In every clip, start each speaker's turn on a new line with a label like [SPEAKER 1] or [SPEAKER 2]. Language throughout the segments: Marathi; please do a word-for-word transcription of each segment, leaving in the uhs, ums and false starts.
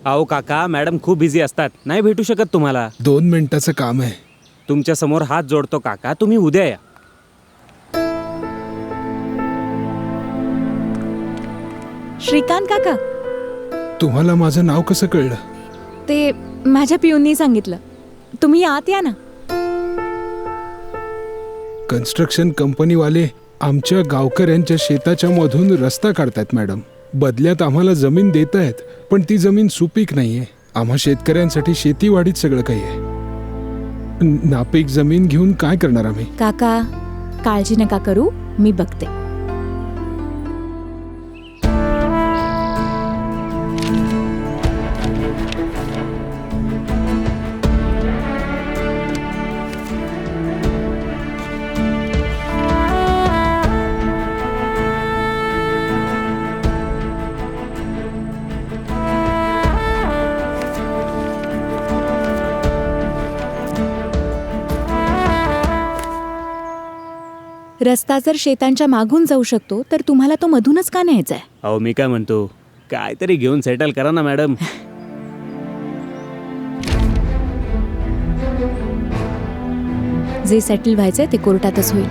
[SPEAKER 1] अहो काका, मॅडम खूप बिझी असतात, नाही भेटू शकत तुम्हाला.
[SPEAKER 2] दोन मिनिटाचं काम आहे.
[SPEAKER 1] तुमच्या समोर हात जोडतो काका, तुम्ही उद्या या.
[SPEAKER 3] श्रीकांत काका,
[SPEAKER 2] तुम्हाला माझं नाव कसं कळलं?
[SPEAKER 3] ते माझ्या पिऊननी सांगितलं. तुम्ही आत या ना.
[SPEAKER 2] कन्स्ट्रक्शन कंपनीवाले आमच्या गावकऱ्यांच्या शेताच्या मधून रस्ता काढतायत मॅडम. बदल्यात आम्हाला जमीन देत आहेत, पण ती जमीन सुपीक नाहीये. आम्हा शेतकऱ्यांसाठी शेतीवाडीत सगळं काही आहे. नापीक जमीन घेऊन काय करणार आम्ही?
[SPEAKER 3] काका, काळजी नका करू, मी बघते. रस्ता जर शेतांच्या मागून जाऊ शकतो तर तुम्हाला तो मधूनच का न्यायचा आहे?
[SPEAKER 1] अहो मी काय म्हणतो, काहीतरी घेऊन सेटल करा ना मॅडम.
[SPEAKER 3] जे सेटल व्हायचंय ते कोर्टातच होईल.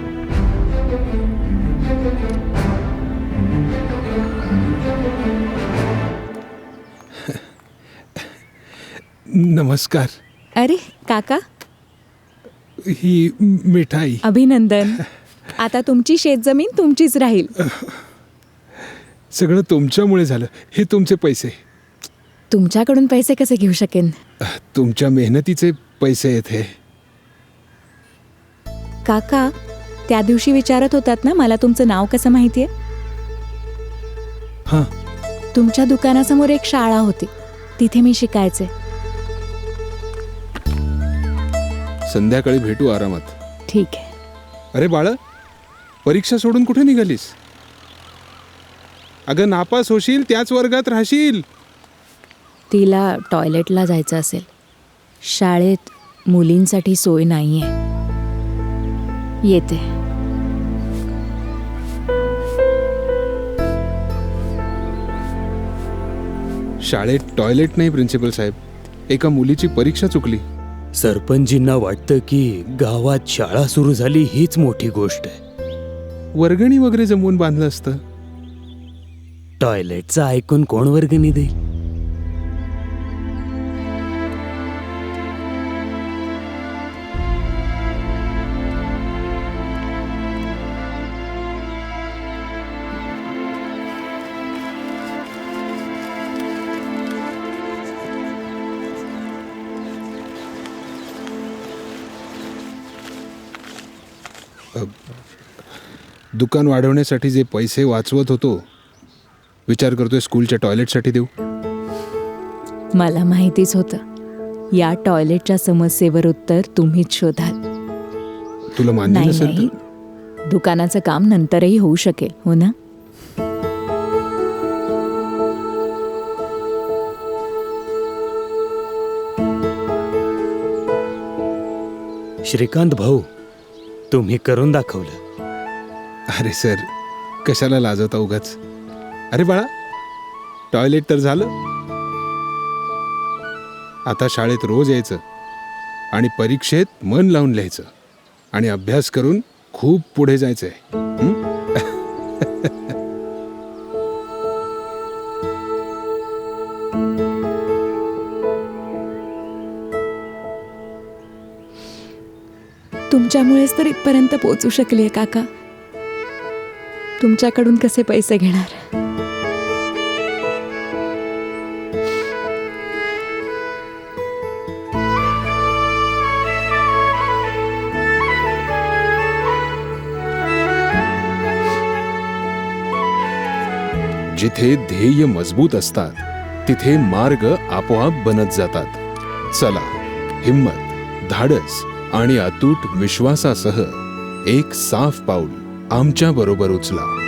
[SPEAKER 2] नमस्कार.
[SPEAKER 3] अरे काका,
[SPEAKER 2] ही मिठाई.
[SPEAKER 3] अभिनंदन. आता तुमची शेतजमीन तुमचीच राहील.
[SPEAKER 2] सगळं तुमच्यामुळे झालं. हे तुमचे पैसे.
[SPEAKER 3] तुमच्याकडून पैसे कसे घेऊ शकेन?
[SPEAKER 2] तुमच्या मेहनतीचे पैसे आहेत हे.
[SPEAKER 3] काका, त्या दिवशी विचारत होतात ना मला तुमचं नाव कसं माहितीये?
[SPEAKER 2] हां.
[SPEAKER 3] तुमच्या दुकानासमोर एक शाळा होती, तिथे मी शिकायचे.
[SPEAKER 2] संध्याकाळी भेटू आरामात.
[SPEAKER 3] ठीक आहे.
[SPEAKER 2] अरे बाळा, परीक्षा सोडून कुठे निघालीस? अगं नापास होशील, त्याच वर्गात राहशील.
[SPEAKER 3] तिला टॉयलेटला जायचं असेल. शाळेत मुलींसाठी सोय नाहीये. येते.
[SPEAKER 2] शाळेत टॉयलेट नाही प्रिन्सिपल साहेब. एका मुलीची परीक्षा चुकली.
[SPEAKER 1] सरपंचजींना वाटतं की गावात शाळा सुरू झाली हीच मोठी गोष्ट आहे.
[SPEAKER 2] वर्गणी वगैरे जमवून बांधलं असतं.
[SPEAKER 1] टॉयलेटचं ऐकून कोण वर्गणी देईल?
[SPEAKER 2] दुकान वाढवण्यासाठी जे पैसे वाचवत होतो, विचार करतोय स्कूलच्या टॉयलेटसाठी देऊ.
[SPEAKER 3] मला माहितीच होतं या टॉयलेटच्या समस्येवर उत्तर तुम्हीच शोधाल.
[SPEAKER 2] तुला मान्य
[SPEAKER 3] नाही
[SPEAKER 2] नसेल
[SPEAKER 3] नाही,
[SPEAKER 2] तर
[SPEAKER 3] दुकानाचं काम नंतरही होऊ शकेल, हो ना?
[SPEAKER 1] श्रीकांत भाऊ, तुम्ही करून दाखवलं.
[SPEAKER 2] अरे सर, कशाला लाजवता उगाच. अरे बाळा, टॉयलेट तर झालं. आता शाळेत रोज यायचं आणि परीक्षेत मन लावून लिहायचं आणि अभ्यास करून खूप पुढे जायचंय. हं?
[SPEAKER 3] तुमच्यामुळेच तर इथपर्यंत पोहोचू शकले काका. तुमच्याकडून कसे पैसे घेणार?
[SPEAKER 2] जिथे ध्येय मजबूत असतात तिथे मार्ग आपोआप बनत जातात. चला, हिम्मत, धाडस आणि अतूट विश्वासासह एक साफ पाऊल आमच्या बरोबर उचला.